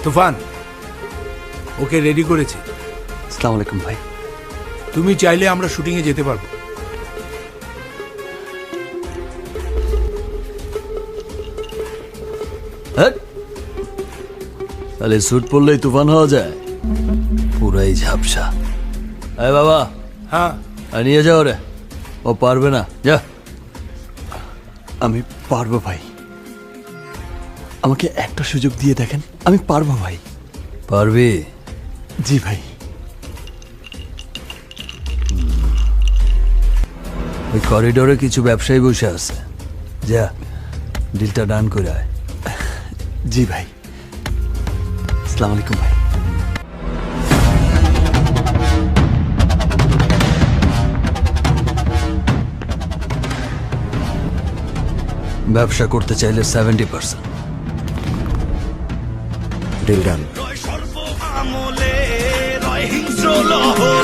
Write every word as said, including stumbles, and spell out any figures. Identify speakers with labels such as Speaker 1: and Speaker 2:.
Speaker 1: তুফান, okay ready করেছি।
Speaker 2: আসসালামু আলাইকুম ভাই।
Speaker 1: তুমি চাইলে আমরা শুটিংয়ে যেতে পারবো।
Speaker 2: তাহলে স্যুট পরলেই তুফান হওয়া যায়? পুরাই ঝাপসা। এই বাবা,
Speaker 1: হ্যাঁ,
Speaker 2: আর নিয়ে যাও রে, ও পারবে না, যা। আমি পারবো ভাই, আমাকে একটা সুযোগ দিয়ে দেখেন, আমি পারবো ভাই। পারবি? জি ভাই। ওই করিডোরে কিছু ব্যবসায়ী বসে আছে, যা ডিলটা ডান করে আয়। জি ভাই। আসসালামু আলাইকুম ভাই। ব্যবসা করতে চাইলে সেভেন্টি পার্সেন্ট
Speaker 3: ডিল ডান।
Speaker 4: রয় সর্ব আমলে রয় হিংস্র লহর